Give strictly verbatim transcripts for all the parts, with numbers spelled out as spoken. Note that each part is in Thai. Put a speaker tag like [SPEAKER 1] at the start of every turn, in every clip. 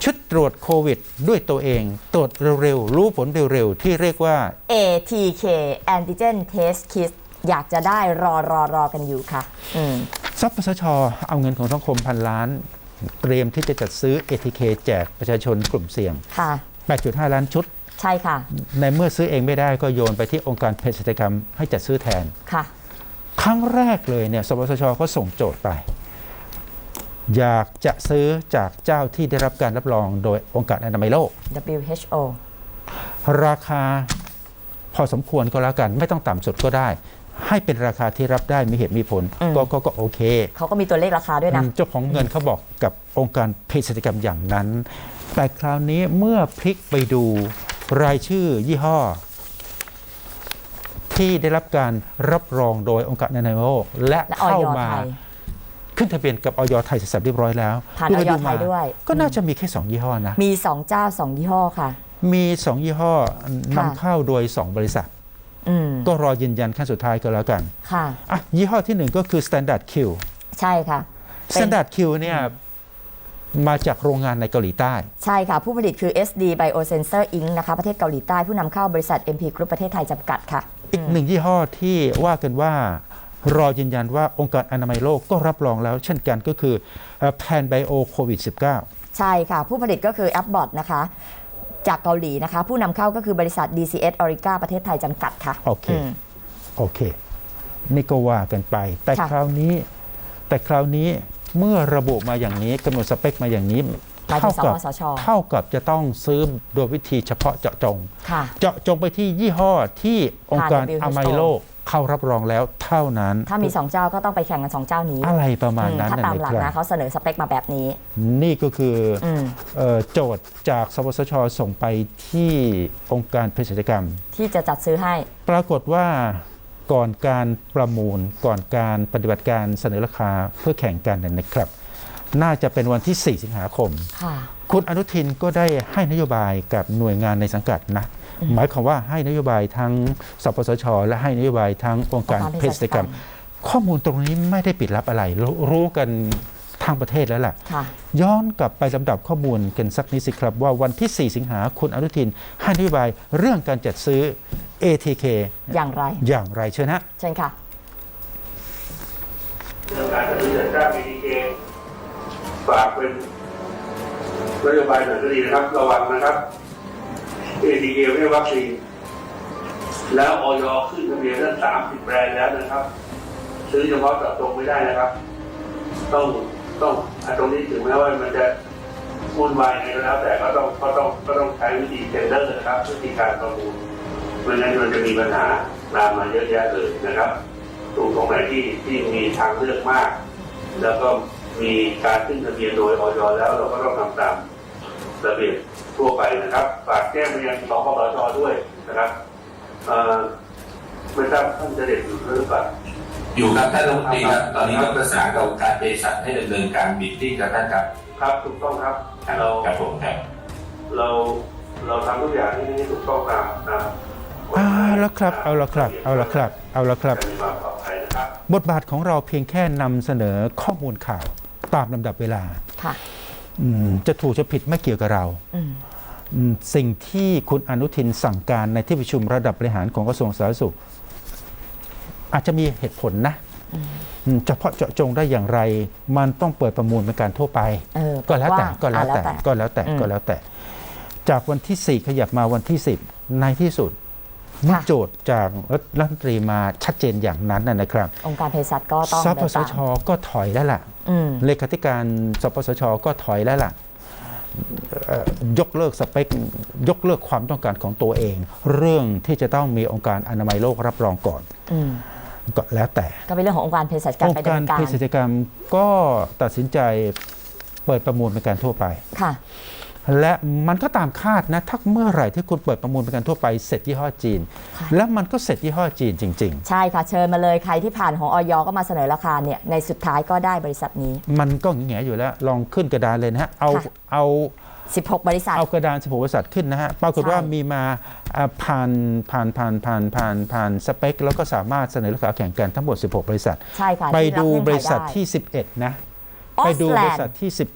[SPEAKER 1] ชุดตรวจโควิดด้วยตัวเองตรวจเร็วๆรู้ผลเร็วๆที่เรียกว่า
[SPEAKER 2] เอ ที เค Antigen Test Kit อยากจะได้รอรอรอกันอยู่ค่ะอืม
[SPEAKER 1] สปสช.เอาเงินของสังคมพันล้านเตรียมที่จะจัดซื้อ เอ ที เค แจกประชาชนกลุ่มเสี่ยง
[SPEAKER 2] ค่ะ
[SPEAKER 1] แปดจุดห้า ล้านชุด
[SPEAKER 2] ใช่ค่ะ
[SPEAKER 1] ในเมื่อซื้อเองไม่ได้ก็โยนไปที่องค์การเภสัชกรรมให้จัดซื้อแทน
[SPEAKER 2] ค่ะ
[SPEAKER 1] ครั้งแรกเลยเนี่ยสปสช.ก็ส่งโจทย์ไปอยากจะซื้อจากเจ้าที่ได้รับการรับรองโดยองค์การอนามัยโลก
[SPEAKER 2] ดับเบิลยู เอช โอ
[SPEAKER 1] ราคาพอสมควรก็แล้วกันไม่ต้องต่ำสุดก็ได้ให้เป็นราคาที่รับได้มีเหตุมีผลก็ก็ก็โอเค
[SPEAKER 2] เขาก็มีตัวเลขราคาด้วยนะ
[SPEAKER 1] เจ้าของเงินเขาบอกกับองค์การเภสัชกรรมอย่างนั้นแต่คราวนี้เมื่อพลิกไปดูรายชื่อยี่ห้อที่ได้รับการรับรองโดยองค์การอนามัยโลกและเข้ามาขึ้นทะเบียนกับอย.ไทยเสร็จเรียบร้อยแล้ว
[SPEAKER 2] ผ่านอย.ไทยด้วย
[SPEAKER 1] ก็น่าจะมีแค่สองยี่ห้อนะ
[SPEAKER 2] มีสองเจ้าสองยี่ห้อค่ะ
[SPEAKER 1] มีสองยี่ห้อนำเข้าโดยสองบริษัทก็รอยืนยันขั้นสุดท้ายก็แล้วกัน
[SPEAKER 2] ค่ะ
[SPEAKER 1] อ่ะยี่ห้อที่หนึ่งก็คือ Standard Q
[SPEAKER 2] ใช่ค่ะ
[SPEAKER 1] Standard Q เนี่ยมาจากโรงงานในเกาหลีใต้
[SPEAKER 2] ใช่ค่ะผู้ผลิตคือ เอส ดี Biosensor อิงค์ นะคะประเทศเกาหลีใต้ผู้นำเข้าบริษัท เอ็ม พี Group ประเทศไทยจำกัดค่ะ
[SPEAKER 1] อีกหนึ่งยี่ห้อที่ว่ากันว่ารอยืนยันว่าองค์การอนามัยโลกก็รับรองแล้วเช่นกันก็คือ Pan Bio โควิด สิบเก้า
[SPEAKER 2] ใช่ค่ะผู้ผลิตก็คือ Abbott นะคะจากเกาหลีนะคะผู้นำเข้าก็คือบริษัท ดี ซี เอส Orica ประเทศไทยจำกัดค่ะ
[SPEAKER 1] โอเคโอเคนี่ก็ว่ากันไปแต่คราวนี้แต่คราวนี้เมื่อระบุมาอย่างนี้กำหนดสเปคมาอย่างนี้
[SPEAKER 2] เท่ากับ
[SPEAKER 1] เท่ากับจะต้องซื้อโดยวิธีเฉพาะเจาะจงเจาะจงไปที่ยี่ห้อที่องค์การอนามัยโลกเข้ารับรองแล้วเท่านั้น
[SPEAKER 2] ถ้ามีสองเจ้าก็ต้องไปแข่งกันสองเจ้านี้
[SPEAKER 1] อะไรประมาณนั้น
[SPEAKER 2] ถ้าตามหลักนะเขาเสนอสเปคมาแบบนี้
[SPEAKER 1] นี่ก็คือโจทย์จากสปสช.ส่งไปที่องค์การเภสัชกรรม
[SPEAKER 2] ที่จะจัดซื้อให้
[SPEAKER 1] ปรากฏว่าก่อนการประมูลก่อนการปฏิบัติการเสนอราคาเพื่อแข่งกันนะครับน่าจะเป็นวันที่สี่สิงหาคมคุณอนุทินก็ได้ให้นโยบายกับหน่วยงานในสังกัดนะหมายความว่าให้นโยบายทั้งสปสช.และให้นโยบายทั้งองค์การเภสัชกรรมข้อมูลตรงนี้ไม่ได้ปิดลับอะไรรู้กันทางประเทศแล้วล่ะย้อนกลับไปลำดับข้อมูลกันสักนิดสิครับว่าวันที่สี่สิงหาคุณอนุทินให้นโยบายเรื่องการจัดซื้อ เอ ที เค
[SPEAKER 2] อย่างไร
[SPEAKER 1] อย่างไรเชิญฮะ
[SPEAKER 2] เชิญค่ะ
[SPEAKER 3] เรื่องการจัดซื้อจัดจ้าง เอ ที เค ฝากเป็นนโยบายหน่อยก็ดีนะครับระวังนะครับ เอ ที เค ไม่ใช่วัคซีนแล้วอย.ขึ้นทะเบียนตั้งสามสิบแบรนด์แล้วนะครับซื้อเฉพาะเจาะจงไม่ได้นะครับต้องต้องตรงนี้ถึงแม้ว่ามันจะวุ่นวายไงก็แล้วแต่ก็ต้องก็ต้องก็ต้องใช้วิธีเทนเดอร์นะครับวิธีการประมูลไม่งั้นมันจะมีปัญหาตามมาเยอะแยะเลยนะครับตรงตรงไหนที่ที่มีทางเลือกมากแล้วก็มีการขึ้นทะเบียนโดยอย.แล้วเราก็ต้องทำตามระเบียบทั่วไปนะครับฝากแจ้งไปยังสปสช.ด้วยนะครับไม่ทราบท่านจะเด็ดอยู่หรือเปล่า
[SPEAKER 4] อยู่ครับท่านรัฐมนตรีครับตอนนี้ก็ประสานกับการเภสัชให้ดำเนินการบิดดิ้งกับท่านครับ
[SPEAKER 3] ครับถูกต้องครับ
[SPEAKER 4] เราครับผมครับ
[SPEAKER 3] เราเราทำทุกอย่างที่ถูกต้องตามนะ
[SPEAKER 1] เอาละครับเอาละครับเอาละครับเอาละครับบทบาทของเราเพียงแค่นำเสนอข้อมูลข่าวตามลำดับเวลาจะถูกจะผิดไม่เกี่ยวกับเราสิ่งที่คุณอนุทินสั่งการในที่ประชุมระดับบริหารของกระทรวงสาธารณสุขอาจจะมีเหตุผลนะเฉพาะเจาะจงได้อย่างไรมันต้องเปิดประมูลเป็นการทั่วไปก็แล้วแต่ก็แล้วแต่ก็แล้วแต่ก็แล้วแต่จากวันที่สี่ขยับมาวันที่สิบในที่สุดเมื่อโจทย์จากรัฐมนตรีมาชัดเจนอย่างนั้นนะครับ
[SPEAKER 2] องค์การเภสัชก็ต้อง
[SPEAKER 1] สปสช.ก็ถอยแล้วล่ะเลขาธิการสปสช.ก็ถอยแล้วล่ะยกเลิกสเปคยกเลิกความต้องการของตัวเองเรื่องที่จะต้องมีองค์การอนามัยโลกรับรองก่อนก็แล้วแต่
[SPEAKER 2] ก็เป็นเรื่องขององค์การเภสัชกรรม
[SPEAKER 1] องค์การเภสัชกรรมก็ตัดสินใจเปิดประมูลเป็นการทั่วไป
[SPEAKER 2] ค่ะ
[SPEAKER 1] และมันก็ตามคาดนะถ้าเมื่อไหร่ที่คุณเปิดประมูลเป็นการทั่วไปเสร็จยี่ห้อจีนแล้วมันก็เสร็จยี่ห้อจีนจริง
[SPEAKER 2] ๆใช่ค่ะเชิญมาเลยใครที่ผ่านของอย.ก็มาเสนอราคาเนี่ยในสุดท้ายก็ได้บริษัทนี้
[SPEAKER 1] มันก็แง่อยู่แล้วลองขึ้นกระดานเลยนะฮะเอาเอา
[SPEAKER 2] สิบหกบริษัท
[SPEAKER 1] เอากระดานสิบหกบริษัทขึ้นนะฮะปรากฏว่ามีมาผ่านผ่านผ่านผ่านผ่านผ่านสเปคแล้วก็สามารถเสนอราคาแข่งกันทั้งหมดสิบหกบริษัท
[SPEAKER 2] ใช่ค่ะ
[SPEAKER 1] ไปดูบริษัทที่สิบเอ็ดนะไปดูบริษัทที่สิบเอ็ด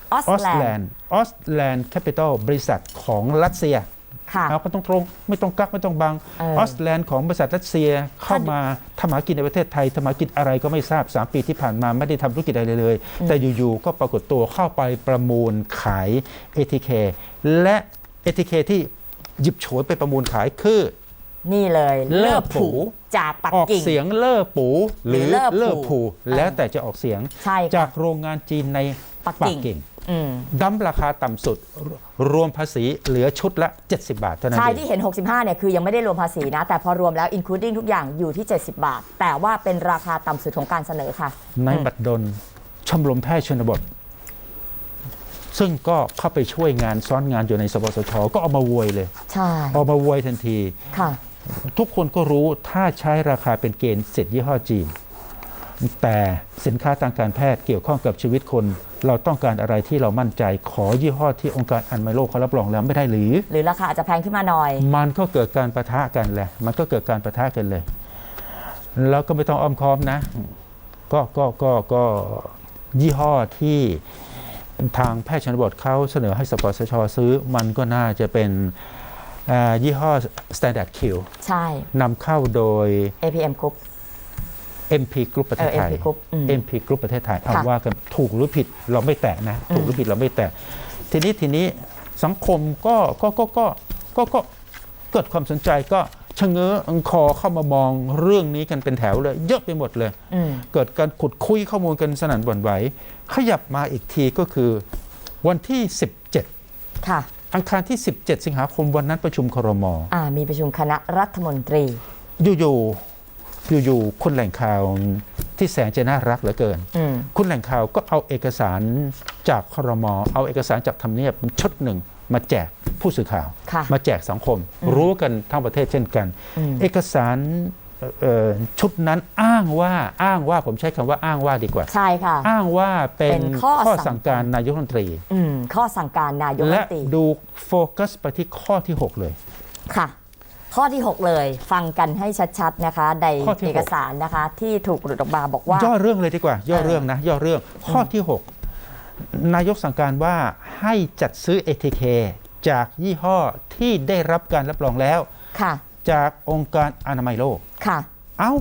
[SPEAKER 2] ออส
[SPEAKER 1] ออส
[SPEAKER 2] แล
[SPEAKER 1] แล
[SPEAKER 2] น
[SPEAKER 1] น
[SPEAKER 2] ด์
[SPEAKER 1] ด์ออสแลนด์แคปิตอลบริษัทของรัสเซีย
[SPEAKER 2] ค่ะ
[SPEAKER 1] เอาก็ต้องตรงไม่ต้องกักไม่ต้องบัง
[SPEAKER 2] เออ
[SPEAKER 1] ออสแลนด์ของบริษัทรัสเซียเข้ามาทำหากินในประเทศไทยทำหากินอะไรก็ไม่ทราบสามปีที่ผ่านมาไม่ได้ทำธุรกิจอะไรเลย แต่อยู่ๆก็ปรากฏตัวเข้าไปประมูลขาย เอ ที เค และ เอ ที เค ที่หยิบโฉวยไปประมูลขายคือ
[SPEAKER 2] นี่เลย
[SPEAKER 1] เล่อผู
[SPEAKER 2] จากปัก
[SPEAKER 1] ออก
[SPEAKER 2] กิ่ง
[SPEAKER 1] เสียงเล่อปูหรือ
[SPEAKER 2] หรือเล่อผู
[SPEAKER 1] เล่อผู
[SPEAKER 2] อ่า
[SPEAKER 1] แล้วแต่จะออกเสียง
[SPEAKER 2] ใช่ค่ะ
[SPEAKER 1] จากโรงงานจีนใน
[SPEAKER 2] ปักกิ่ง อืม
[SPEAKER 1] ดั้มราคาต่ำสุดรวมภาษีเหลือชุดละ เจ็ดสิบบาทเท่านั้น
[SPEAKER 2] ใช่
[SPEAKER 1] เอง
[SPEAKER 2] ที่เห็น หกสิบห้า เนี่ยคือยังไม่ได้รวมภาษีนะ แต่พอรวมแล้ว including ทุกอย่างอยู่ที่ เจ็ดสิบบาท แต่ว่าเป็นราคาต่ำสุดของการเสนอค่ะ
[SPEAKER 1] ในบัดดลชมรมแพทย์ชนบท ซึ่งก็เข้าไปช่วยงานซ้อนงานอยู่ในสปสชก็เอามาโวยเลย
[SPEAKER 2] ใช่
[SPEAKER 1] เอามาโวยทันที
[SPEAKER 2] ค่ะ
[SPEAKER 1] ทุกคนก็รู้ถ้าใช้ราคาเป็นเกณฑ์เสร็จยี่ห้อจีน แต่สินค้าทางการแพทย์เกี่ยวข้องกับชีวิตคน เราต้องการอะไรที่เรามั่นใจขอยี่ห้อที่องค์การอนามัยโลกเขารับรองแล้วไม่ได้หรือ
[SPEAKER 2] หรือราคาอาจจะแพงขึ้นมาหน่อย
[SPEAKER 1] มันก็เกิดการประทะกันแหละ มันก็เกิดการประทะกันเลย แล้วก็ไม่ต้องอ้อมค้อมนะ ก็ก็ก็ก็ยี่ห้อที่ทางแพทย์ชนบทเขาเสนอให้สปสชซื้อ มันก็น่าจะเป็นอ่ายี่ห้อ Standard Q
[SPEAKER 2] ใช่
[SPEAKER 1] นำเข้าโดย
[SPEAKER 2] เอ พี เอ็ม Group
[SPEAKER 1] เอ็ม พี Group ประเทศไทย
[SPEAKER 2] เออ เอ็ม พี Group อืม
[SPEAKER 1] เอ็ม พี Group ประเทศไทยเอา
[SPEAKER 2] ค่ะ
[SPEAKER 1] ว่ากันถูกหรือผิดเราไม่แตะนะ ถูกหรือผิดเราไม่แตะ ทีนี้ทีนี้สังคมก็ก็ก็ก็ก็ก็เกิดความสนใจก็ชะเง้อคอเข้ามามองเรื่องนี้กันเป็นแถวเลย เยอะไปหมดเลย
[SPEAKER 2] อืม
[SPEAKER 1] เกิดการขุดคุยข้อมูลกันสนั่นหวั่นไหว ขยับมาอีกทีก็คือวันที่ สิบเจ็ด
[SPEAKER 2] ค่ะ
[SPEAKER 1] อังคารที่ สิบเจ็ด สิงหาคมวันนั้นประชุมครม.
[SPEAKER 2] อ่า มีประชุมคณะรัฐมนตรี
[SPEAKER 1] อยู่ๆอยู่ๆคนแหล่งข่าวที่แสนจะน่ารักเหลือเกิน
[SPEAKER 2] อืม
[SPEAKER 1] คุณแหล่งข่าวก็เอาเอกสารจากครม. เอาเอกสารจากทำเนียบชุดหนึ่งมาแจกผู้สื่อข่าว
[SPEAKER 2] ค่ะ
[SPEAKER 1] มาแจกสังคม รู้กันทั้งประเทศเช่นกัน
[SPEAKER 2] อืม
[SPEAKER 1] เอกสารเอ่อชุดนั้นอ้างว่าอ้างว่าผมใช้คำว่าอ้างว่าดีกว่า
[SPEAKER 2] ใช่ค่ะ
[SPEAKER 1] อ้างว่าเป็น
[SPEAKER 2] เป็นข้อ
[SPEAKER 1] ข้อ
[SPEAKER 2] สั่
[SPEAKER 1] สั่
[SPEAKER 2] ง
[SPEAKER 1] งการนายกรัฐมนตรี
[SPEAKER 2] อืม ข้อสั่งการนายกรัฐ
[SPEAKER 1] และ
[SPEAKER 2] มนตรี
[SPEAKER 1] ดูโฟกัสไปที่ข้อที่ หก เลย
[SPEAKER 2] ค่ะ ข้อที่ หก เลย ฟังกันให้ชัดๆนะคะ ใน
[SPEAKER 1] ข้อที่หก
[SPEAKER 2] เอกสารนะคะ ที่ถูกหลุดออกมาบอกว่า
[SPEAKER 1] ย่อเรื่องเลยดีกว่า ย่อเรื่องนะ ย่อเรื่องข้อที่ หก นายกสั่งการว่าให้จัดซื้อ เอ ที เค จากยี่ห้อที่ได้รับการรับรองแล้ว
[SPEAKER 2] ค่ะ
[SPEAKER 1] จากองค์การอนามัยโลก
[SPEAKER 2] ค่ะ
[SPEAKER 1] เอ้า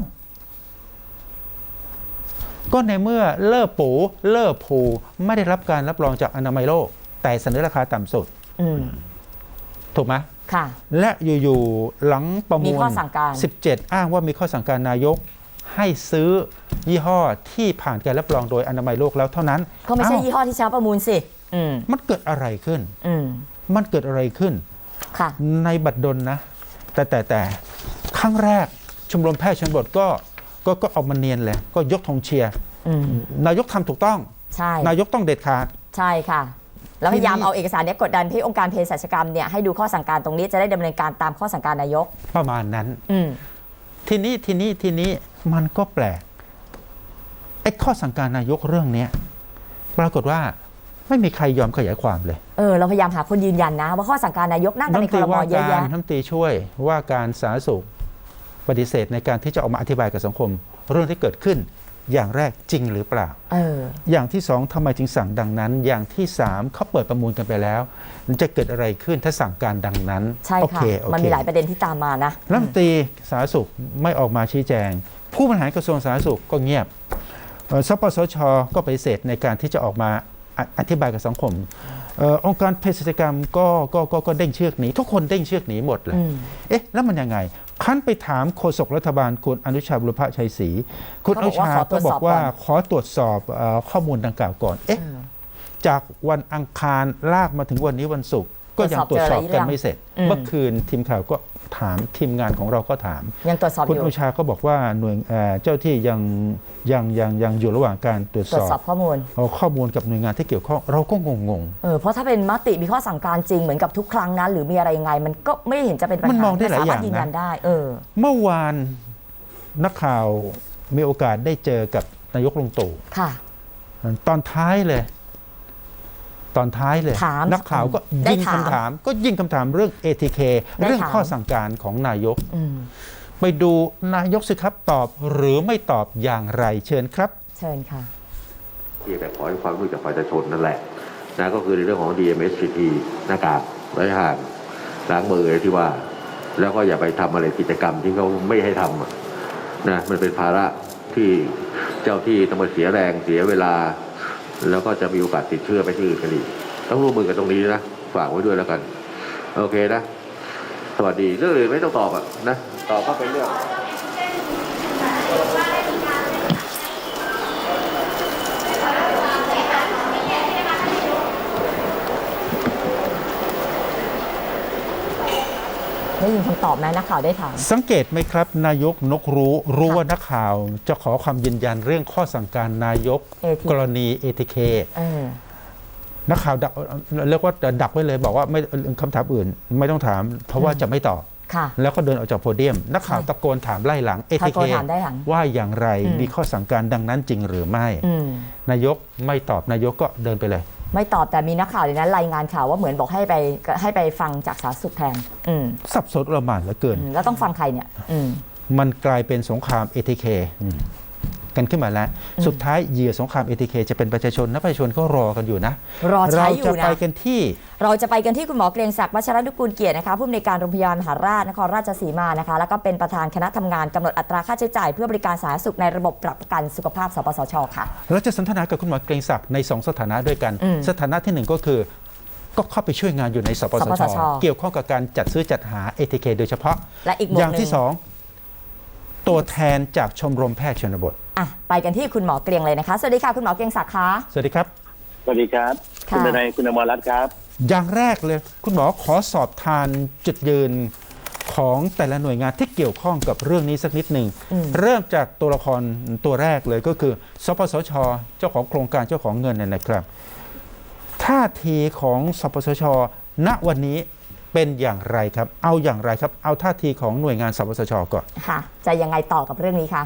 [SPEAKER 1] ก็ในเมื่อเลิศปูเลิศภูไม่ได้รับการรับรองจากอนามัยโลก แต่เสนอราคาต่ำสุด
[SPEAKER 2] อืม
[SPEAKER 1] ถูกไหม
[SPEAKER 2] ค่ะ
[SPEAKER 1] และอยู่ๆหลังประมู
[SPEAKER 2] มี
[SPEAKER 1] ล
[SPEAKER 2] ข้อสั่งการ
[SPEAKER 1] สิบเจ็ด อ้างว่ามีข้อสั่งการนายก ให้ซื้อยี่ห้อที่ผ่านการรับรองโดยอนามัยโลกแล้วเท่านั้น
[SPEAKER 2] ก็ไม่ใช่
[SPEAKER 1] เอ้า
[SPEAKER 2] ยี่ห้อที่ใช้ประมูลสิ อืม
[SPEAKER 1] มันเกิดอะไรขึ้น
[SPEAKER 2] อืม
[SPEAKER 1] มันเกิดอะไรขึ้น
[SPEAKER 2] ค่ะ
[SPEAKER 1] ในบัตรดลนะ แต่แต่แต่ครั้งแรกชมรมแพทย์ชนบทก็ก็ก็เอามาเนียนเลย ก็ยกธงเชียร์
[SPEAKER 2] อืม
[SPEAKER 1] นายกทำถูกต้อง
[SPEAKER 2] ใช่
[SPEAKER 1] นายกต้องเด็ดขาด
[SPEAKER 2] ใช่ค่ะ แล้วพยายาม
[SPEAKER 1] ทีนี้
[SPEAKER 2] เอาเอกสารเนี้ยกดดันให้องค์การเภสัชกรรมเนี่ยให้ดูข้อสั่งการตรงนี้จะได้ดำเนินการตามข้อสั่งการนายก
[SPEAKER 1] ประมาณนั้น
[SPEAKER 2] อืม
[SPEAKER 1] ทีนี้ทีนี้ทีนี้มันก็แปลกไอ้ข้อสั่งการนายกเรื่องเนี้ยปรากฏว่าไม่มีใครยอมขยายความเลย
[SPEAKER 2] เออ เราพยายามหาคนยืนยันนะ ว่าข้อสั่งการนายกนั่งกันใน
[SPEAKER 1] รัฐมน
[SPEAKER 2] ค
[SPEAKER 1] ตรี
[SPEAKER 2] รม
[SPEAKER 1] ว่า
[SPEAKER 2] เยอะ
[SPEAKER 1] การ
[SPEAKER 2] แยะ
[SPEAKER 1] รัฐมนตรีช่วยว่าการสาธารณสุขปฏิเสธในการที่จะออกมาอธิบายกับสังคม เรื่องที่เกิดขึ้นอย่างแรกจริงหรือเปล่า
[SPEAKER 2] เออ
[SPEAKER 1] อย่างที่สองทำไมจึงสั่งดังนั้น อย่างที่สามเขาเปิดประมูลกันไปแล้วมันจะเกิดอะไรขึ้นถ้าสั่งการดังนั้น
[SPEAKER 2] ใช่
[SPEAKER 1] โอ
[SPEAKER 2] ค่ะ
[SPEAKER 1] เคโอเค
[SPEAKER 2] มันมีหลายประเด็นที่ตามมานะ
[SPEAKER 1] รัฐมนตรีสาธารณสุขไม่ออกมาชี้แจง ผู้บริหารกระทรวงสาธารณสุขก็เงียบเอ่อสปสชก็ปฏิเสธในการที่จะออกมาออธิบายกับสังคมเออองค์การเภสัชกรรมก็ก็ก็ก็เด้งเชือกหนีทุกคนเด้งเชือกหนีหมดเลย
[SPEAKER 2] อืม
[SPEAKER 1] เอ๊ะแล้วมันยังไงขั้นไปถามโฆษกรัฐบาลคุณอนุชาบุรพชัยศรีคุณอนุชาก็บอกว่าขอตรวจสอบเอ่อข้อมูลดังกล่าวก่อนเอ๊ะ
[SPEAKER 2] เออ
[SPEAKER 1] จากวันอังคารลากมาถึงวันนี้วันศุกร์ก็ยังตรวจสอบกันไม่เสร็จ
[SPEAKER 2] อืม
[SPEAKER 1] เมื่อคืนทีมข่าวก็ถามทีมงานของเราก็ถาม
[SPEAKER 2] ยังตรวจสอบอ
[SPEAKER 1] คุณ
[SPEAKER 2] ยู่
[SPEAKER 1] อนุชาก็บอกว่าหน่วยเอ่อเจ้าที่ยังยังยังยังอยู่ระหว่างการตรวจ
[SPEAKER 2] ตร
[SPEAKER 1] ส
[SPEAKER 2] วจ
[SPEAKER 1] อบ
[SPEAKER 2] สอบข้อมูล
[SPEAKER 1] เอาข้อมูลกับหน่วยงานที่เกี่ยวข้องเราก็งงง
[SPEAKER 2] เออ เพราะถ้าเป็นมติมีข้อสั่งการจริงเหมือนกับทุกครั้งนะหรือมีอะไรยังไง มันก็ไม่เห็นจะเป็นปัญหา
[SPEAKER 1] มันมองได้หลายอย่างนะ
[SPEAKER 2] สมรถยืนยันได้ เออ
[SPEAKER 1] เมื่อวานนักข่าวมีโอกาสได้เจอกับนายกลุงตู่
[SPEAKER 2] ค่ะ
[SPEAKER 1] ตอนท้ายเลย ตอนท้ายเลย
[SPEAKER 2] ถาม
[SPEAKER 1] นักข่าวก็
[SPEAKER 2] ได้
[SPEAKER 1] ยิง
[SPEAKER 2] ถาม
[SPEAKER 1] คำถาม ก็ยิงคำถามเรื่อง เอ ที เค
[SPEAKER 2] ได้
[SPEAKER 1] เรื่อง
[SPEAKER 2] ถาม
[SPEAKER 1] ข้อสั่งการของนายก
[SPEAKER 2] อืม
[SPEAKER 1] ไปดูนายกสิครับตอบหรือไม่ตอบอย่างไรเชิญครับ
[SPEAKER 2] เชิญค่ะ
[SPEAKER 5] เพียงแต่ขอให้ความรู้จากประชาชนนั่นแหละนะก็คือในเรื่องของ ดี เอ็ม เอส ซี ที หน้ากากระยะห่างล้างมืออะไรที่ว่า แล้วก็อย่าไปทำอะไรกิจกรรมที่เขาไม่ให้ทำอะนะมันเป็นภาระที่เจ้าที่ต้องมาเสียแรงเสียเวลา แล้วก็จะมีโอกาสติดเชื้อไปที่อื่นกันอีกต้องร่วมมือกันตรงนี้นะฝากไว้ด้วยแล้วกันโอเคนะสวัสดีเรื่องอื่นไม่ต้องตอบอ่ะนะตอบก็เป็นเรื่อง
[SPEAKER 2] ได้ยินคำตอบไหมนักข่าวได้ถาม
[SPEAKER 1] สังเกตไหมครับ นายกนกรู้รู้ว่านักข่าวจะขอความยืนยันเรื่องข้อสั่งการนายก
[SPEAKER 2] เอ ที
[SPEAKER 1] กรณี เอ ที เค
[SPEAKER 2] เออ
[SPEAKER 1] นักข่าวดักเรียกว่าดักไว้เลยบอกว่าไม่คำถามอื่นไม่ต้องถาม เพราะว่าจะไม่ตอบ
[SPEAKER 2] ค่ะ
[SPEAKER 1] แล้วก็เดินออกจากโพเดียม นักข่าว
[SPEAKER 2] ใช่
[SPEAKER 1] ตะโกนถามไล่หลัง เอ ที
[SPEAKER 2] ตะ
[SPEAKER 1] เค
[SPEAKER 2] โกนถามได้หลัง
[SPEAKER 1] ว่าอย่างไร
[SPEAKER 2] อืม
[SPEAKER 1] มีข้อสั่งการดังนั้นจริงหรือไม่
[SPEAKER 2] อืม
[SPEAKER 1] นายกไม่ตอบนายกก็เดินไปเลย
[SPEAKER 2] ไม่ตอบแต่มีนักข่าวในนั้นรายงานข่าวว่าเหมือนบอกให้ไปให้ไปฟังจากสาธารณสุขแทน อืม
[SPEAKER 1] สับสนระหม่านเหลือเกิน
[SPEAKER 2] อืมแล้วต้องฟังใครเนี่ย อืม
[SPEAKER 1] มันกลายเป็นสงคราม เอ ที เค อืมกันขึ้นมาแล้ว
[SPEAKER 2] อืม
[SPEAKER 1] สุดท้ายเหยื่อสงคราม เอ ที เค จะเป็นประชาชนนะประชาชนก็รอกันอยู่นะ
[SPEAKER 2] รอใช้
[SPEAKER 1] เรา
[SPEAKER 2] อยู่
[SPEAKER 1] จะ
[SPEAKER 2] นะ
[SPEAKER 1] ไปกันที่
[SPEAKER 2] เราจะไปกันที่คุณหมอเกรียงศักดิ์วัชรนุกูลเกียรตินะคะผู้อำนวยการโรงพยาบาลมหาราชนครราชสีมานะคะแล้วก็เป็นประธานคณะทำงานกำหนดอัตราค่าใช้จ่ายเพื่อบริการสาธารณสุขในระบบประกันสุขภาพสปสชค่ะ
[SPEAKER 1] เราจะสนทนากับคุณหมอเกรียงศักดิ์ในสองสถานะด้วยกัน
[SPEAKER 2] อืม
[SPEAKER 1] สถานะที่หนึ่งก็คือ ก็เข้าไปช่วยงานอยู่ในสปส
[SPEAKER 2] สปส
[SPEAKER 1] ช
[SPEAKER 2] ช
[SPEAKER 1] เกี่ยวข้องกับการจัดซื้อจัดหา เอ ที เค โดยเฉพาะ
[SPEAKER 2] และอีกหมว
[SPEAKER 1] อ
[SPEAKER 2] ด
[SPEAKER 1] ย่าง
[SPEAKER 2] หนึ่
[SPEAKER 1] ที่
[SPEAKER 2] ง
[SPEAKER 1] สองตัวแทนจากชมรมแพทย์ชนบท
[SPEAKER 2] อ่ะไปกันที่คุณหมอเกรียงเลยนะคะสวัสดีค่ะคุณหมอเกรียงศักดิ์คะ
[SPEAKER 1] สวัสดีครับ
[SPEAKER 6] สวัสดีครับ
[SPEAKER 2] ค่ะ
[SPEAKER 6] คุณนายคุณอมรรัตน์ครับ
[SPEAKER 1] อย่างแรกเลย คุณหมอขอสอบทานจุดยืนของแต่ละหน่วยงานที่เกี่ยวข้องกับเรื่องนี้สักนิดหนึ่ง
[SPEAKER 2] อืม
[SPEAKER 1] เริ่มจากตัวละครตัวแรกเลยก็คือ สปสช เจ้าของโครงการเจ้าของเงินเนี่ยนะครับ ท่าทีของสปสช ณวันนี้เป็นอย่างไรครับ เอาอย่างไรครับ เอาท่าทีของหน่วยงานสปสชก่อน
[SPEAKER 2] ค่ะจะยังไงต่อกับเรื่องนี้คะ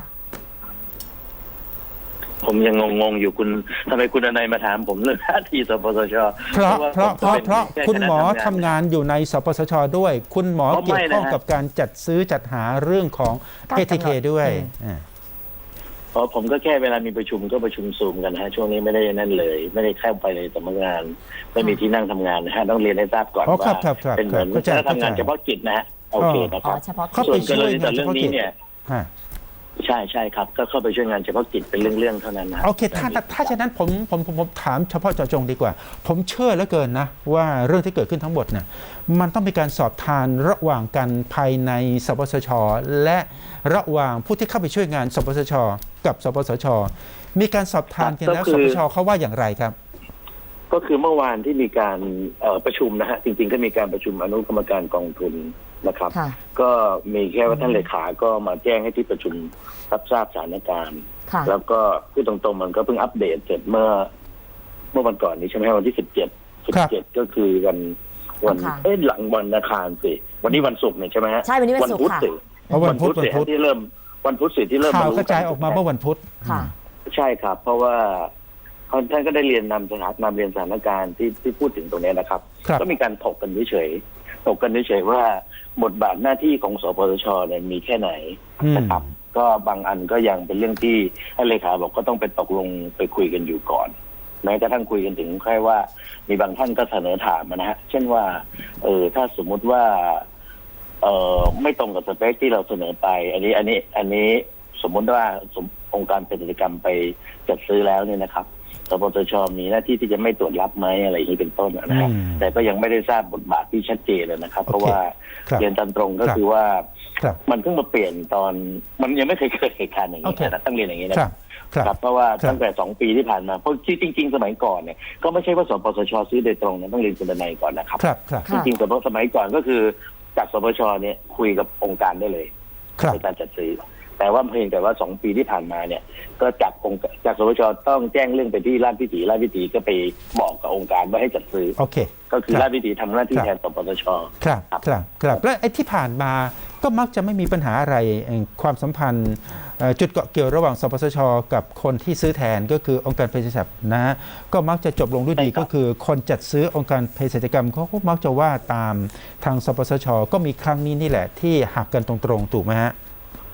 [SPEAKER 6] ผมยังงงๆอยู่คุณทำไมคุณนายมาถามผมเรื่องท่าทีสปสช
[SPEAKER 1] เพราะ
[SPEAKER 6] ว่
[SPEAKER 1] เพราะ
[SPEAKER 6] ผม
[SPEAKER 1] เพราะ
[SPEAKER 6] ป็น
[SPEAKER 1] เพราะ
[SPEAKER 6] แค่
[SPEAKER 1] คุณหมอ
[SPEAKER 6] ณะ
[SPEAKER 1] ทำงานอยู่ในสปสช ด้วย คุณหมอ
[SPEAKER 6] อ๋อ
[SPEAKER 1] เกี่ยวข้อง
[SPEAKER 6] ไม่นะฮะ
[SPEAKER 1] กับการจัดซื้อจัดหาเรื่องของ
[SPEAKER 2] การ
[SPEAKER 1] เอก
[SPEAKER 2] ำหนด
[SPEAKER 1] ที เค ด้วย
[SPEAKER 2] อืม
[SPEAKER 1] อ่า
[SPEAKER 6] เพราะผมก็แค่เวลามีประชุมก็ประชุมซูมกันนะฮะช่วงนี้ไม่ได้นั่นเลย ไม่ได้เข้าไปในสำนักงาน ไม่มีที่นั่งทำงานนะฮะต้องเรียนให้ทราบก่อน
[SPEAKER 1] อ๋อครั
[SPEAKER 6] ว่า
[SPEAKER 1] บครับครับ
[SPEAKER 6] เป็นเหมือน
[SPEAKER 1] เข้าใจ
[SPEAKER 6] คณะทำงาน
[SPEAKER 1] เข้าใจ
[SPEAKER 6] เฉพาะกิจนะฮะโอเคนะค
[SPEAKER 2] อ๋อ
[SPEAKER 6] รับ
[SPEAKER 2] เฉพาะ
[SPEAKER 1] เข้า
[SPEAKER 2] กิ
[SPEAKER 1] ไป
[SPEAKER 2] จ
[SPEAKER 6] ส่วนกรณีแต่เรื่องนี้เนี่ย
[SPEAKER 1] ฮะ
[SPEAKER 6] ใช่ใช่ครับ ก็เข้าไปช่วยงานเฉพาะกิจเป็นเรื่องๆเท่านั้นนะ
[SPEAKER 1] โอเค ถ้าถ้าถ้าฉะนั้นผมผมผมผมถามเฉพาะเจาะจงดีกว่า ผมเชื่อเหลือเกินนะ ว่าเรื่องที่เกิดขึ้นทั้งหมดเนี่ยมันต้องมีการสอบทานระหว่างกันภายในสปสช และระหว่างผู้ที่เข้าไปช่วยงานสปสช กับสปสช มีการสอบทานกันแล้วสปสชเขาว่าอย่างไรครับ
[SPEAKER 6] ก็คือเมื่อวานที่มีการเอ่อประชุมนะฮะจริงๆก็มีการประชุมอนุกรรมการกองทุนนะครับ
[SPEAKER 2] ค่ะ
[SPEAKER 6] ก็มีแค่ว่าท่านเลขาก็มาแจ้งให้ที่ประชุมรับทราบสถานการณ์
[SPEAKER 2] ค่ะ
[SPEAKER 6] แล้วก็พูดตรงๆมันก็เพิ่งอัปเดตเสร็จเมื่อ เมื่อวันก่อนนี้ใช่ไหมวันที่สิบเจ็ดสิบ
[SPEAKER 1] ครับ
[SPEAKER 6] เจ็ดก็คือวันวัน
[SPEAKER 2] อังคาร
[SPEAKER 6] เอ้ยหลังวันอังคารสิวันนี้วันศุกร์เนี่ยใช่ไหมฮะ
[SPEAKER 2] ใช่วันนี้วันศุกร์
[SPEAKER 6] พุธ
[SPEAKER 2] ค่ะ
[SPEAKER 6] สิ
[SPEAKER 1] เอาวันพุธ
[SPEAKER 6] สิ
[SPEAKER 1] วันพุธ
[SPEAKER 6] ที่เริ่มวันพุธสิที่เริ่ม
[SPEAKER 1] ข่าว
[SPEAKER 6] รู้
[SPEAKER 1] กระจายออกมาเมื่อวันพุธ
[SPEAKER 2] ค่ะ
[SPEAKER 6] ใช่ครับ เพราะว่าท่านก็ได้เรียนนำสถานนำเรียนสถานการณ์ที่ที่พูดถึงตรงนี้นะครับ
[SPEAKER 1] ครับ
[SPEAKER 6] ก็มีการถกกันเฉยๆถกกันเฉยๆว่าบทบาทหน้าที่ของสปสชเนี่ยมีแค่ไหน
[SPEAKER 1] อืม
[SPEAKER 6] นะครับ ก็บางอันก็ยังเป็นเรื่องที่ท่านเลขาบอกก็ต้องไปตกลงไปคุยกันอยู่ก่อนแม้กระทั่งคุยกันถึงแค่ว่ามีบางท่านก็เสนอถามมานะฮะเช่นว่าเออถ้าสมมุติว่าเออไม่ตรงกับสเปคที่เราเสนอไป อันนี้อันนี้อันนี้สมมุติว่าสมองค์การเภสัชกรรมไปจัดซื้อแล้วเนี่ยนะครับสปสชมีหน้าที่ที่จะไม่ตรวจรับไหมอะไรอย่างนี้เป็นต้นนะฮะ
[SPEAKER 1] อืม
[SPEAKER 6] แต่ก็ยังไม่ได้ทราบบทบาทที่ชัดเจนเลยนะครับ
[SPEAKER 1] โอเค
[SPEAKER 6] เพราะว่า
[SPEAKER 1] ครับ
[SPEAKER 6] เรียนตามตรงก็
[SPEAKER 1] ครับ
[SPEAKER 6] คือว่า
[SPEAKER 1] ครับ
[SPEAKER 6] มันเพิ่งมาเปลี่ยนตอนมันยังไม่เคยเกิดเหตุการณ์อย่าง
[SPEAKER 1] โอ
[SPEAKER 6] นี้
[SPEAKER 1] เค
[SPEAKER 6] นะต้องเรียนอย่างนี้
[SPEAKER 1] ค
[SPEAKER 6] นะ
[SPEAKER 1] รับ ครับ
[SPEAKER 6] ครับเพราะว่า
[SPEAKER 1] ครับ
[SPEAKER 6] ตั้งแต่สองปีที่ผ่านมาเพราะจริงๆสมัยก่อนเนี่ยก็ไม่ใช่ว่าสปสชซื้อโดยตรงนะต้องเรียนคุณนายก่อนนะครับ
[SPEAKER 1] ครับครับ
[SPEAKER 6] จ
[SPEAKER 2] ค่ะ
[SPEAKER 6] ริงๆสมัยสมัยก่อนก็คือจากสปสชเนี่ยคุยกับองค์การได้เลย
[SPEAKER 1] ครับ
[SPEAKER 6] ในการจัดซื้อแต่ว่าเพียงแต่ว่าสองปีที่ผ่านมาเนี่ยก็จากองค์จากสปสชต้องแจ้งเรื่องไปที่ราชวิถีราชวิถีก็ไปบอกกับองค์การว่าให้จัดซื้อ
[SPEAKER 1] โอเค
[SPEAKER 6] ก็คือ
[SPEAKER 1] ครับ
[SPEAKER 6] ราชวิถีทำหน้าที่
[SPEAKER 1] ครับ
[SPEAKER 6] แทนสปสช
[SPEAKER 1] ครับ
[SPEAKER 6] ครับ
[SPEAKER 1] ครับครับและไอ้ที่ผ่านมาก็มักจะไม่มีปัญหาอะไรเอ่อความสัมพันธ์เอ่อจุดเกาะเกี่ยวระหว่างสปสช กับคนที่ซื้อแทนก็คือองค์การเภสัชกรรมนะฮะก็มักจะจบลงด้วยดี
[SPEAKER 6] ใช่ครับ
[SPEAKER 1] ก็คือคนจัดซื้อองค์การเภสัชกรรมเขาก็มักจะว่าตามทางสปสช ก็มีครั้งนี้นี่แหละที่หักกันตรงๆถูกไหมฮะ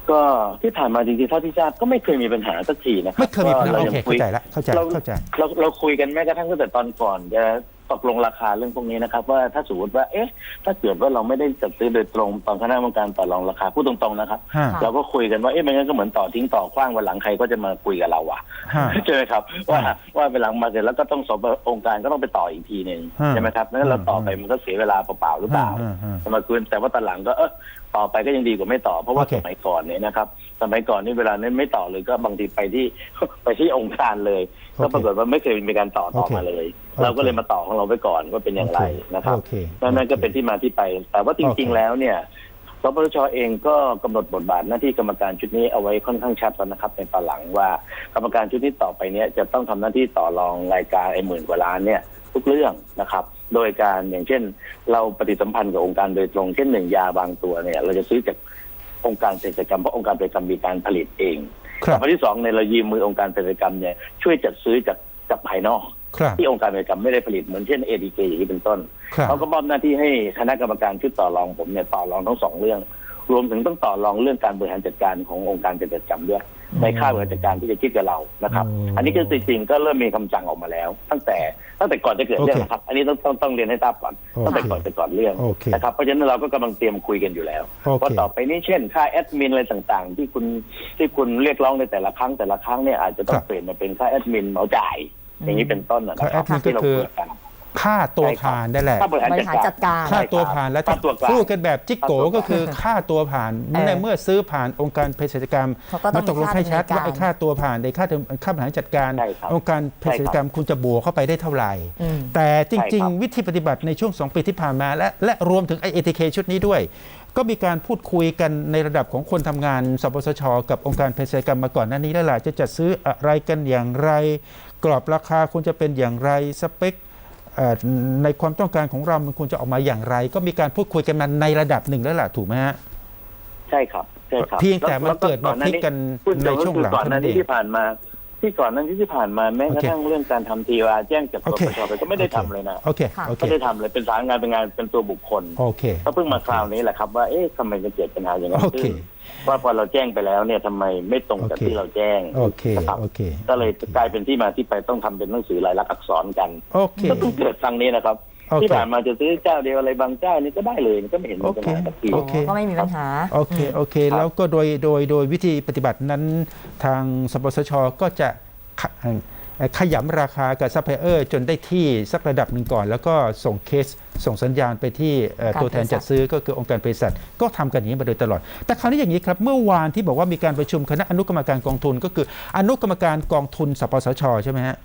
[SPEAKER 6] ก็ที่ผ่านมาจริงๆเท่าที่ทราบก็ไม่เคยมีปัญหาสักทีนะครับ
[SPEAKER 1] ไม่เคยมีปัญหา
[SPEAKER 6] ก็
[SPEAKER 1] โอ
[SPEAKER 6] ยัง
[SPEAKER 1] เค
[SPEAKER 6] คุ
[SPEAKER 1] เข้าย ใจแล้วเข้าใจ
[SPEAKER 6] เรา
[SPEAKER 1] เข้าใจ
[SPEAKER 6] เราเราคุยกันแม้กระทั่งตั้งแต่ตอนก่อนจะตกลงราคาเรื่องพวกนี้นะครับ ว่าถ้าสมมติว่าเอ๊ะถ้าเกิดว่าเราไม่ได้จัดซื้อโดยตรงตอนคณะกรรมการต่อรองราคาพูดตรงๆนะครับ
[SPEAKER 1] ฮะ
[SPEAKER 6] เราก็คุยกันว่าเอ๊ะไม่งั้นก็เหมือนต่อทิ้งต่อขว้างวันหลังใครก็จะมาคุยกับเราอ่ะ
[SPEAKER 1] ฮะ
[SPEAKER 6] ใช่ไหมครับว่า
[SPEAKER 1] ฮะ
[SPEAKER 6] ว่าไปหลังมาเสร็จแล้วก็ต้องสอบองค์การก็ต้องไปต่ออีกทีหนึ่ง
[SPEAKER 1] ฮะ
[SPEAKER 6] ใช่ไหมครับนั้นเราต่อไป
[SPEAKER 1] ฮะ
[SPEAKER 6] มันก็เสียเวลาเปล่าๆหรือเปล่า
[SPEAKER 1] ฮะฮะ
[SPEAKER 6] สมาคุยแต่ว่าตอนหลังก็เออต่อไปก็ยังดีกว่าไม่ต่อ เพราะว่า
[SPEAKER 1] โอเค
[SPEAKER 6] สมัยก่อนเนี่ยนะครับสมัยก่อนนี่เวลานี้ไม่ต่อเลยก็บางทีไปที่ ไปที่องค์การเลย ก็ปรากฏว่าไม่เคยมีการต่อต่อ
[SPEAKER 1] โอเค
[SPEAKER 6] มาเลย
[SPEAKER 1] โอเค
[SPEAKER 6] เราก็เลยมาต่อของเราไปก่อนว่าเป็นอย่างไรนะครับ
[SPEAKER 1] โอเค
[SPEAKER 6] นั่นก็เป็นที่มาที่ไป แต่ว่าจริง
[SPEAKER 1] โอเค
[SPEAKER 6] ๆแล้วเนี่ยสปสชเองก็กำหนดบทบาทหน้าที่กรรมการชุดนี้เอาไว้ค่อนข้างชัดแล้วนะครับในตอนหลังว่ากรรมการชุดนี้ต่อไปเนี่ยจะต้องทำหน้าที่ต่อรองรายการไอ้หมื่นกว่าล้านเนี่ยทุกเรื่องนะครับ โดยการอย่างเช่น เราปฏิสัมพันธ์กับองค์การโดยตรงเช่นหนึ่งยาบางตัวเนี่ยเราจะซื้อจากองค์การเภสัชกรรมเพราะองค์การเภสัชกรรมมีการผลิตเอง
[SPEAKER 1] ครับ
[SPEAKER 6] อันที่สองในยเรายืมมือองค์การเภสัชกรรมเนี่ยช่วยจัดซื้อจากจากภายนอก
[SPEAKER 1] ครับ
[SPEAKER 6] ที่องค์การเภสัชกรรมไม่ได้ผลิตเหมือนเช่น เอ ดี เค อย่างนี้เป็นต้น
[SPEAKER 1] ครับ
[SPEAKER 6] เขาก็มอบหน้าที่ให้คณะกรรมการชุดต่อรองผมเนี่ยต่อรองทั้งสองเรื่อง รวมถึงต้องต่อรองเรื่องการบริหารจัดการขององค์การเภสัชกรรมด้วยในค่าบริหารจัดการที่จะคิดกับเรานะครับ
[SPEAKER 1] อืม
[SPEAKER 6] อันนี้ก็จริงๆก็เริ่มมีคำสั่งออกมาแล้ว ตั้งแต่ตั้งแต่ก่อนจะเกิดเรื่อง
[SPEAKER 1] โอเค
[SPEAKER 6] นะครับ อันนี้ต้องต้องต้องเรียนให้ทราบก่อน
[SPEAKER 1] โอเค
[SPEAKER 6] ตั้งแต่ก่อนจะก่อนเรื่อง
[SPEAKER 1] โอเค
[SPEAKER 6] นะครับเพราะฉะนั้นเราก็กำลังเตรียมคุยกันอยู่แล้ว
[SPEAKER 1] โอเค
[SPEAKER 6] ว่าต่อไปนี้เช่นค่าแอดมินอะไรต่างๆ ที่คุณที่คุณเรียกร้องในแต่ละครั้งแต่ละครั้งเนี่ยอาจจะต้องเปลี่ยนมาเป็นค่าแอดมินเหมาจ่าย อย่างนี้เป็นต้นนะค
[SPEAKER 1] ค่าแอ
[SPEAKER 6] รับ
[SPEAKER 1] ดมินก็
[SPEAKER 6] ที่เรา
[SPEAKER 1] คือ
[SPEAKER 6] คุยกัน
[SPEAKER 1] ค่าตัวผ่านได้แหละ
[SPEAKER 6] ค่าบริหาร
[SPEAKER 2] บ
[SPEAKER 6] จั
[SPEAKER 2] ริ
[SPEAKER 6] ด
[SPEAKER 2] หาร
[SPEAKER 6] การ
[SPEAKER 2] จัดการ
[SPEAKER 1] ค่าตัวผ่านแล้วถ้า
[SPEAKER 6] ค่าตัวกลาง
[SPEAKER 1] พูดกันแบบจิ๊กโก
[SPEAKER 6] ค่าตัวกลาง
[SPEAKER 1] ก็คือค่าตัวผ่าน
[SPEAKER 2] เออ
[SPEAKER 1] ในเมื่อซื้อผ่านองค์การเภสัชกรรม
[SPEAKER 2] เขาก็ต้อง
[SPEAKER 1] มาตกลงให้ชัด
[SPEAKER 2] มีค่า
[SPEAKER 1] ว่าไอ้ค่าตัวผ่านในค่าค่าบริหารจัดการ
[SPEAKER 6] ใช่ครับ
[SPEAKER 1] องค์การเภสัชกรรมคุณจะบวกเข้าไปได้เท่าไหร่
[SPEAKER 2] อืม
[SPEAKER 1] แต่จริง
[SPEAKER 6] ใช่ครับ
[SPEAKER 1] ๆ วิธีปฏิบัติในช่วงสองปีที่ผ่านมาและและรวมถึงไอเอทีเคชุดนี้ด้วย ก็มีการพูดคุยกันในระดับของคนทำงานสปสช กับองค์การเภสัชกรรมมาก่อนหน้านี้แล้วล่ะจะจัดซื้ออะไรกันอย่างไร กรอบราคาควรจะเป็นอย่างไรสเปคเอ่อในความต้องการของเรามันควรจะออกมาอย่างไร ก็มีการพูดคุยกันมาในระดับหนึ่งแล้วล่ะถูกไหมฮะ
[SPEAKER 6] ใช่ครับใช่ครับ
[SPEAKER 1] เพียงแต่มัน
[SPEAKER 6] ล้ว
[SPEAKER 1] เกิดมาพลิกกัน
[SPEAKER 6] พูด
[SPEAKER 1] ในช่วงหลัง
[SPEAKER 6] ก่อนหน้า
[SPEAKER 1] เท่านั้น
[SPEAKER 6] นี้
[SPEAKER 1] เอง
[SPEAKER 6] ที่ผ่านมา ที่ก่อนหนั้นที่ผ่านมาแม้กระทั่งเรื่องการทำทีวาแจ้งจาก
[SPEAKER 1] โอ
[SPEAKER 6] ป
[SPEAKER 1] เค
[SPEAKER 6] ปชไปก็ไม่ได้ทำเลยนะ
[SPEAKER 1] โอเค
[SPEAKER 2] ค่ะ
[SPEAKER 1] โอเค
[SPEAKER 6] ไม่ได้ทำเลยเป็นสายงานเป็นงานเป็นตัวบุคคล
[SPEAKER 1] โอเค
[SPEAKER 6] ก็เพิ่งมาคราวนี้แหละครับว่าเอ๊ะทำไมมันเกิดปัญหาอย่างนั้น
[SPEAKER 1] โอเค
[SPEAKER 6] ขึ้นว่าพอเราแจ้งไปแล้วเนี่ยทำไมไม่ตรงกับ
[SPEAKER 1] โอเค
[SPEAKER 6] ที่เราแจ้ง
[SPEAKER 1] โอเค
[SPEAKER 6] นะครับ
[SPEAKER 1] โอเค
[SPEAKER 6] ก็เลยกลายเป็นที่มาที่ไปต้องทำเป็นหนังสือลายลักษณ์อักษรกัน
[SPEAKER 1] โอเค
[SPEAKER 6] ก็เพิ่งเกิดครั้งนี้นะครับ
[SPEAKER 1] โอเค
[SPEAKER 6] ที่ผ่านมาจะซื้อเจ้าเดียวอะไรบางเจ้านี่ก็ได้เลยก็ไม่เห็นมีปัญหาสักที
[SPEAKER 1] โอเค
[SPEAKER 2] ก็ไม่มีปัญหา
[SPEAKER 1] โอเค โอเค
[SPEAKER 6] ครับ
[SPEAKER 1] แล้วก็โดย โดย โดยวิธีปฏิบัตินั้นทางสปสช ก็จะขเอ่อขยำราคากับซัพพลายเออร์จนได้ที่สักระดับหนึ่งก่อน แล้วก็ส่งเคส ส่งสัญญาณไปที่เอ่อ
[SPEAKER 2] การ
[SPEAKER 1] ตัวแทน
[SPEAKER 2] เภสัช
[SPEAKER 1] จัดซื้อก็คือองค์การเภสัชก็ทำกันอย่างนี้มาโดยตลอด แต่คราวนี้อย่างนี้ครับ เมื่อวานที่บอกว่ามีการประชุมคณะอนุกรรมการกองทุน ก็คืออนุกรรมการกองทุนสปสช ใช่ไหมฮะ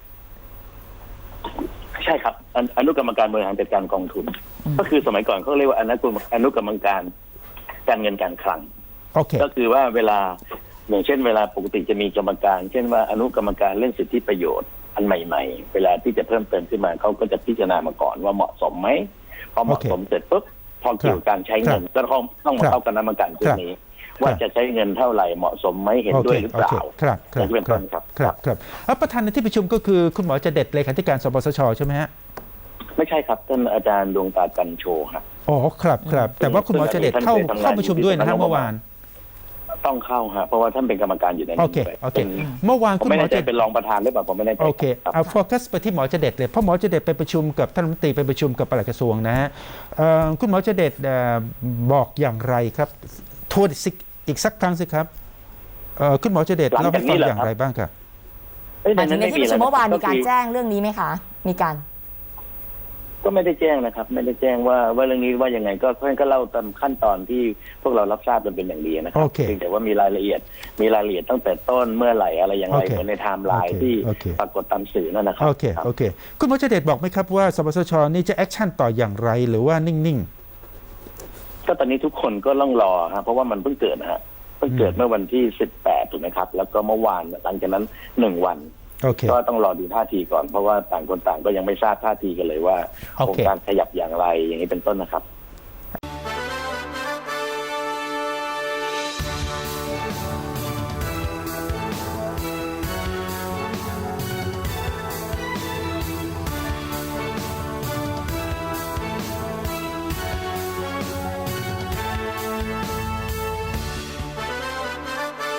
[SPEAKER 6] ใช่ครับอนุอนุกรรมการบริหารจัดการกองทุน ก็คือสมัยก่อนเขาเรียกว่าอนุกรรมอนุกรรมการการเงินการคลัง
[SPEAKER 1] โอเค
[SPEAKER 6] ก็คือว่าเวลาอย่างเช่นเวลาปกติจะมีกรรมการ เช่นว่าอนุกรรมการเรื่องสิทธิประโยชน์อันใหม่ๆ เวลาที่จะเพิ่มเติมขึ้นมาเขาก็จะพิจารณามาก่อนว่าเหมาะสมไหมพอเหมาะสมเสร็จปุ๊บพอเกี่ยวกับการใช้เงินก็ต้องต้องมาเข้าคณะกรรมการชุดนี้ ว่าจะใช้เงินเท่าไหร่เหมาะสมไหมเห็น
[SPEAKER 1] โอ
[SPEAKER 6] ด้
[SPEAKER 1] เค
[SPEAKER 6] วยหรือเปล่า
[SPEAKER 1] โอเคครับค
[SPEAKER 6] อ
[SPEAKER 1] รั
[SPEAKER 6] ย่า
[SPEAKER 1] บ
[SPEAKER 6] งนี้เป็น
[SPEAKER 1] ครั
[SPEAKER 6] ต้
[SPEAKER 1] บ
[SPEAKER 6] นครับ
[SPEAKER 1] ครับครับแล้วประธานในที่ประชุมก็คือคุณหมอเจเด็ดเลขาธิการสปสช ใช่ไหมฮะ
[SPEAKER 6] ไม่ใช่ครับท่านอาจารย์ดวงตากันโชฮะ
[SPEAKER 1] อ๋อ ครับครับ แต่ว่าคุณหมอเจเด็ดเข้าเข้าประชุมด้วยนะฮะเมื่อวาน
[SPEAKER 6] ต้องเข้าฮะเพราะว่าท่านเป็นกรรมการอยู่ใน
[SPEAKER 1] โอ
[SPEAKER 6] นี้
[SPEAKER 1] เค
[SPEAKER 6] ด้วย
[SPEAKER 1] โอเค
[SPEAKER 6] เป็น
[SPEAKER 1] เมื่อวาน
[SPEAKER 6] ผม
[SPEAKER 1] คุณ
[SPEAKER 6] ไม่
[SPEAKER 1] หมอ
[SPEAKER 6] แน่ใจ
[SPEAKER 1] เจ
[SPEAKER 6] เป็นรองประธานหรือเปล่าผมไม่แน่ใจ
[SPEAKER 1] โอเค
[SPEAKER 6] ครับ
[SPEAKER 1] เอาโฟกัสไปที่หมอเจเด็ดเลย เพราะหมอเจเด็ดไปประชุมกับท่านรัฐมนตรีไปประชุมกับปลัดกระทรวงนะฮะเอ่อคุณหมอเจเด็ดเอ่อบอกอย่างไรครับทวนอีกอีกสักครั้งสิครับเอ่อคุณหมอเจเด็ดเล่าให้ฟังอย่างไรบ้างครับ
[SPEAKER 6] เอ้ย
[SPEAKER 2] หมายถึงในที่ประชุมเมื่อวานมีการ
[SPEAKER 6] ก็คือ
[SPEAKER 2] แจ้งเรื่องนี้ไหมคะ มีการ
[SPEAKER 6] ก็ไม่ได้แจ้งนะครับ ไม่ได้แจ้งว่าว่าเรื่องนี้ว่ายังไงก็ท่านก็เล่าตามขั้นตอนที่พวกเรารับทราบกันเป็นอย่างดีนะครั
[SPEAKER 1] โอเค
[SPEAKER 6] เพียงแต่ว่ามีรายละเอียด มีรายละเอียดตั้งแต่ต้นเมื่อไหร่อะไรอย่างไร
[SPEAKER 1] โอเค
[SPEAKER 6] เหมือนในไทม์ไลน์
[SPEAKER 1] โอเค
[SPEAKER 6] ที่
[SPEAKER 1] โอเค
[SPEAKER 6] ปรากฏตามสื่อนั่นนะครั
[SPEAKER 1] โอเค
[SPEAKER 6] ครับ
[SPEAKER 1] โอเค คุณหมอเจเด็ดบอกไหมครับว่าสปสชนี่จะแอคชั่นต่ออย่างไรหรือว่านิ่ง
[SPEAKER 6] ก็ตอนนี้ทุกคนก็ต้องรอฮะเพราะว่ามันเพิ่งเกิดนะฮะเพิ่งเกิดเมื่อวันที่สิบแปดถูกไหมครับ แล้วก็เมื่อวานหลังจากนั้นหนึ่งวัน
[SPEAKER 1] ๆ โอเค
[SPEAKER 6] ก็ต้องรอดูท่าทีก่อนเพราะว่าต่างคนต่างก็ยังไม่ทราบท่าทีกันเลยว่า
[SPEAKER 1] โอเค
[SPEAKER 6] โครงการขยับอย่างไรอย่างนี้เป็นต้นนะครับ